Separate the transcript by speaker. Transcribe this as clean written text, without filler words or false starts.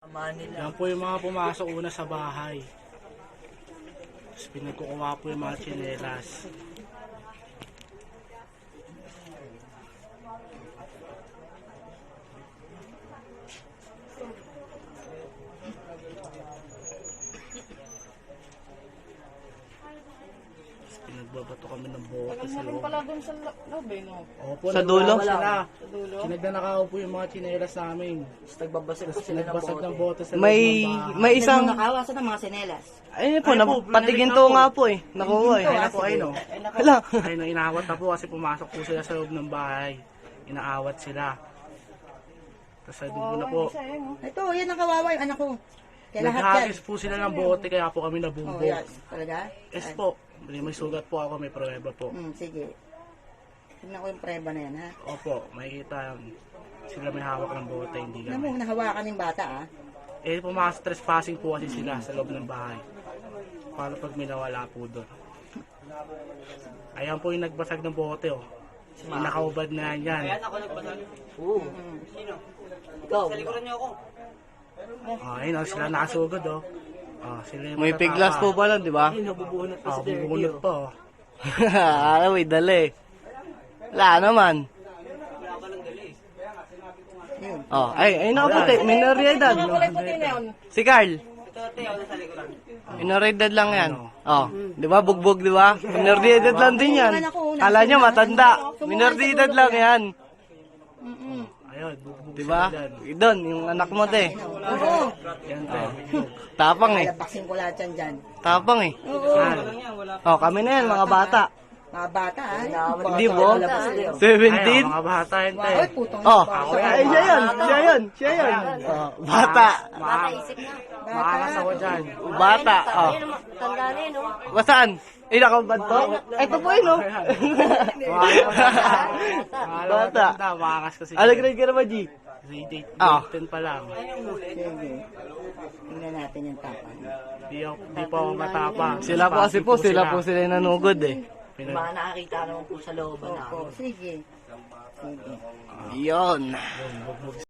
Speaker 1: Yan po yung mga pumasok una sa bahay. Tapos pinagkukuha po yung mga tsinelas. Pinagbabato kami ng bote sa loob.
Speaker 2: Pala dun sa loob eh, no?
Speaker 1: Opo,
Speaker 3: Sa dulo?
Speaker 1: sila.
Speaker 2: Sa dulo.
Speaker 1: Sinagnanakaw po yung mga tsinelas namin.
Speaker 4: Nagbabasag po
Speaker 1: Tapos
Speaker 4: sila ng
Speaker 1: nagbasag ng
Speaker 4: bote.
Speaker 1: bote sa loob
Speaker 3: May
Speaker 1: ng bahay.
Speaker 3: may isang
Speaker 4: Nakawasan ng mga sinelas.
Speaker 3: ayun po,
Speaker 1: Ay po,
Speaker 3: patigin
Speaker 1: binalik
Speaker 3: to
Speaker 1: na po.
Speaker 3: nga po eh. Nakuha eh.
Speaker 1: Ay na po, ay no.
Speaker 3: Hala.
Speaker 1: Ay no, inaawat na po kasi pumasok po sila sa loob ng bahay. Inaawat sila. Tapos sa dulo na po.
Speaker 4: Ito, yan ang kawawa yung anak ko. Kaya lahat yan.
Speaker 1: Naghagis po sila ng bote kaya po kami
Speaker 4: Oh,
Speaker 1: nabugbog.
Speaker 4: yan. Talaga?
Speaker 1: Yes po. May sugat po ako, may pruweba po.
Speaker 4: Sige. Tignan ko yung preba na yan, ha?
Speaker 1: Opo, makikita sila may hawak ng bote, hindi
Speaker 4: Tignan mo,
Speaker 1: kami.
Speaker 4: nahawakan yung bata, ha?
Speaker 1: Eh, pumasok trespassing po kasi sila sa loob ng bahay. Paano pag may nawala po doon? Ayan po yung nagbasag ng bote, oh. Yung nakaubad na yan.
Speaker 4: Oo. Ikaw.
Speaker 1: Oh, ayun, oh, sila nakasugod, oh. Oh, sila yung
Speaker 3: May
Speaker 1: matatapa.
Speaker 3: piglas po pala, di ba?
Speaker 4: Nabubunot pa
Speaker 1: Oh,
Speaker 4: si Derek.
Speaker 1: bubunot po. Oh.
Speaker 3: Alam, may dali. Wala naman.
Speaker 4: Yun.
Speaker 3: Oh, ay nakaputi. Minoridad.
Speaker 2: Puti na yun.
Speaker 3: Si Carl. Minoridad lang yan. Oh, di ba? Bugbog, di ba? Minoridad lang din yan. Kala nyo matanda. Minoridad lang yan.
Speaker 1: Ayun, bugbog
Speaker 3: Di ba?
Speaker 1: sila dyan.
Speaker 3: Doon, yung anak mo, te.
Speaker 4: Oo.
Speaker 1: Yan, te. bugbog.
Speaker 3: Tapang eh.
Speaker 4: Lalabaksin ko lahat yan dyan.
Speaker 3: Tapang eh.
Speaker 4: Oo.
Speaker 3: Oh, kami na yan, mga bata.
Speaker 4: Mga bata, ha?
Speaker 3: Hindi mo?
Speaker 1: Ayun,
Speaker 3: 17?
Speaker 1: mga bata yun, te.
Speaker 4: Ay, putong
Speaker 3: Oh,
Speaker 4: bata.
Speaker 3: ay, siya yun. Siya yun. Siya yun. Oh, bata.
Speaker 1: Maakas ako dyan.
Speaker 3: Bata. Oh.
Speaker 2: Tanda na yun, no?
Speaker 3: Basaan? Eh, nakabad po? Ito po yun, oh. Bata.
Speaker 1: Maakas kasi.
Speaker 3: Ano grade ka naman, G?
Speaker 1: Grade
Speaker 3: Ah.
Speaker 1: 10 pa lang.
Speaker 4: Sige. Tingnan natin yung tapang.
Speaker 1: Di pa ako matapang.
Speaker 3: Sila po kasi po, sila po sila yung nanugod eh.
Speaker 1: Pinag-
Speaker 4: nakakita naman po sa looban namin. Sige. Sige.
Speaker 3: Yun.